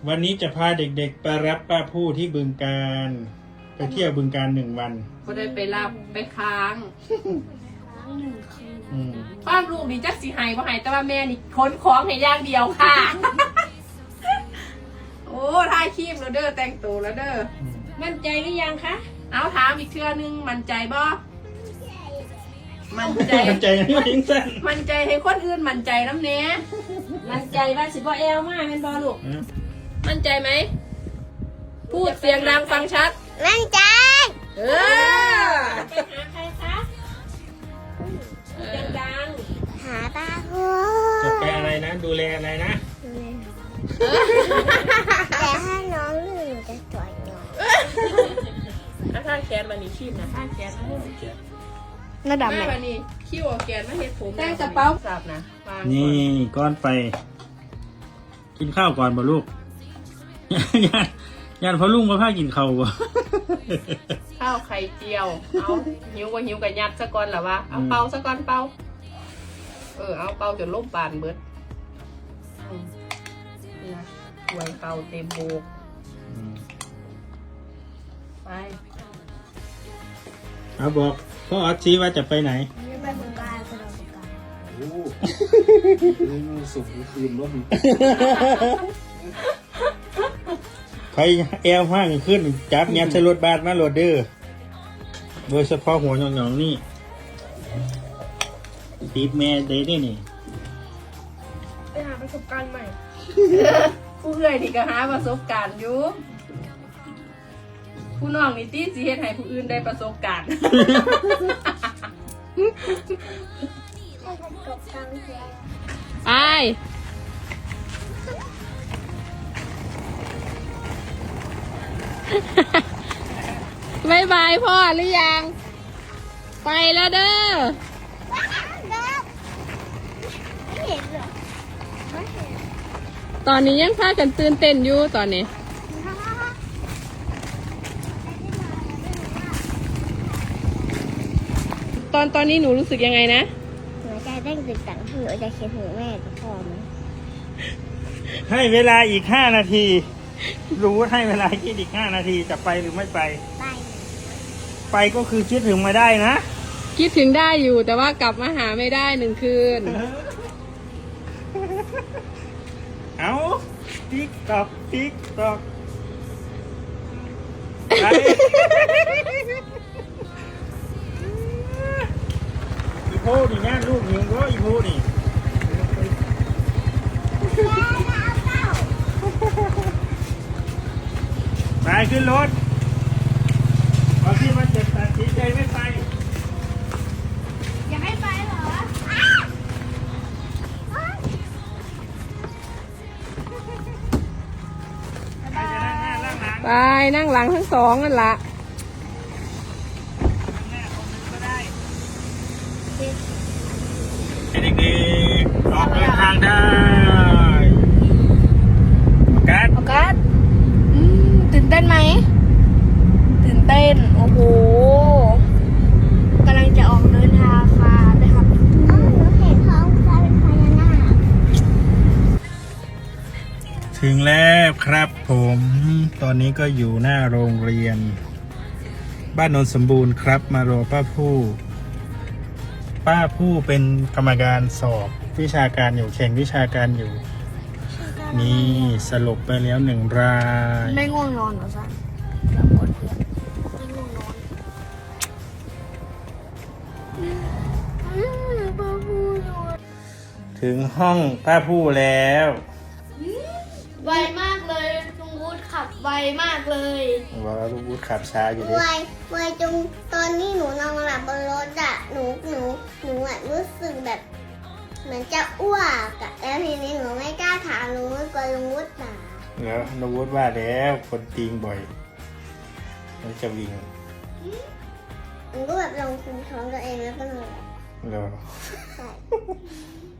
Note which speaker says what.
Speaker 1: วันนี้จะพาเด็กๆไปรับป้าผู้ที่บึงกาฬไปเที่ยวบึงกาฬ1 วัน
Speaker 2: ก็ได้ไปรับไปค้าง
Speaker 3: 1 คืน
Speaker 2: ความลูกนี่จักสิหายบ่หายแต่ว่าแม่นี่ขนของให้อย่างเดียวค่ะ โอ้ถ่ายคลิปแล้วเด้อแต่งตัวแล้วเด้อมั่นใจหรือยังคะเอาถามอีกเทื่อนึงมั่นใจบ่มั่นใจ
Speaker 1: มั่นใจยังไม่ยิงสั้น
Speaker 2: มั่นใจให้คนอื่นมั่นใจน้ำเนี้ย
Speaker 3: มั่นใจว่าสิบ่แอลมากเป็นบอลูก
Speaker 2: มั่นใจไหมพูดเสียงดังฟังชัด
Speaker 3: มั่นใจ
Speaker 2: เออ
Speaker 3: ไปหาใครคะพูดดัง
Speaker 4: หาตาหู
Speaker 1: จะไปอะไรนะ ดูแลอะไรนะ
Speaker 4: แต่ถ้าน้องลื่นหนูจะสวยน้อง
Speaker 2: ถ้าแขนมันนี่คีบนะถ้าแขนมันนี่
Speaker 3: ระดับไหน
Speaker 2: ถ้ามันนี่คิ้วเอาแขนมาเฮ็ดผม
Speaker 3: แต่งกระเป๋า
Speaker 2: สับนะวาง
Speaker 1: นี่ก้อนไป กินข้าวก่อนบ่ลูก ย่านพ่อลุงมาพากินข้าวบ่
Speaker 2: ข้าวไข่เจียว เอาหิวก็หิวกับยัดซะก่อนล่ะวะเอาเป่าซะก่อนเป่าเอาเป่าจนล่มปานเบิดนี่นะหวยเป่าเต็มโบกไป
Speaker 1: เอาบอกพ่อออสชี้ว่าจะไปไหน
Speaker 4: จะไปบึงกาฬไปเราบึงกาฬ
Speaker 5: โอ้นี่มันสุกคืนร่ม
Speaker 1: ใครแอลห้างขึ้น จับยัดใส่รถบาสมาโหลดเด้อโดยเฉพาะหัวหยองๆนี่ตีบแม่ได้ด้วยนี่
Speaker 3: ไปหาประสบการณ์ใหม่
Speaker 2: ผู้เอื่อยนี่ก็หาประสบการณ์อยู่ผู้น้องนี่ตีสิเฮ็ดให้ผู้อื่นได้ประสบการณ์
Speaker 4: ให้กระจกกลางแจ้ง
Speaker 2: ไปบายบายพ่อหรือยัง ไปแล้วเด้อ
Speaker 4: ไม่เห็นเหรอไม่เห็น
Speaker 2: ตอนนี้ยังพากันตื่นเต้นอยู่ตอนนี้ ตอนนี้หนูรู้สึกยังไงนะ
Speaker 4: หนูจะเร่งตึกตังหนูจะเขียนถึงแม่กับพ่อไหม
Speaker 1: ให้เวลาอีก5 นาที รู้ให้เวลาคิดอีก5 นาทีจะไปหรือไม่ไป
Speaker 4: ไป
Speaker 1: ไปก็คือคิดถึงมาได้นะ
Speaker 2: คิดถึงได้อยู่แต่ว่ากลับมาหาไม่ได้1 คืน
Speaker 1: เอาติ๊กตอกติ๊กตอกไปอีโพนี่นะลูกหิวก็อีโพนี่ไปขึ้นรถพอที่มันจะตัดสินใจไม่ไป
Speaker 4: อย่าให้ไปเหรอ
Speaker 1: ใครจะนั่งหน้านั่งหลัง
Speaker 2: ไปนั่งหลังทั้งสองนั่นละ
Speaker 1: นั่งหน้าคนหนึงก็ได้ให้เด็กๆออกเดินทางได้กัด
Speaker 3: โอกัสตื่นเต้นไหม ตื่นเต้น โอ้โหกำลังจะออกเดินทางค่ะนะครับ
Speaker 4: อ๋อหนูเห็นท้องฟ้าเป็นพญานาค
Speaker 1: ถึงแล้วครับผม ตอนนี้ก็อยู่หน้าโรงเรียน บ้านโนนสมบูรณ์ครับ มารอป้าผู้เป็นกรรมการสอบวิชาการอยู่แข่งวิชาการอยู่ นี่สลบไปแล้ว1 ราย
Speaker 3: ไม่ง่วงนอนเหรอจ๊ะแล้วกดเพื่อนไม่ง่วงนอน
Speaker 4: ป้าพูดเลย
Speaker 1: ถึงห้องป้าผู้แล้ว
Speaker 3: ไวมากเลยลุงวุฒิขับไวมากเลย
Speaker 1: ว่าลูกวุฒิขับช้าอยู่ดิ
Speaker 4: ไวจงตอนนี้หนูนอนหลับบนรถอะหนูอะรู้สึกแบบ เหมือนจะอ้วกอะแล้วทีนี้หนูไม่กล้าถามลุงวุฒิกลัวลุงวุฒิด่า
Speaker 1: แล้วลูกวุฒิว่าแล้วคนตีงบ่อยมันจะวิ่ง
Speaker 4: หนูก็แบบลองคุมท้องตัวเองแล้วก็นอนหลับ
Speaker 1: แล้ว
Speaker 4: ใช่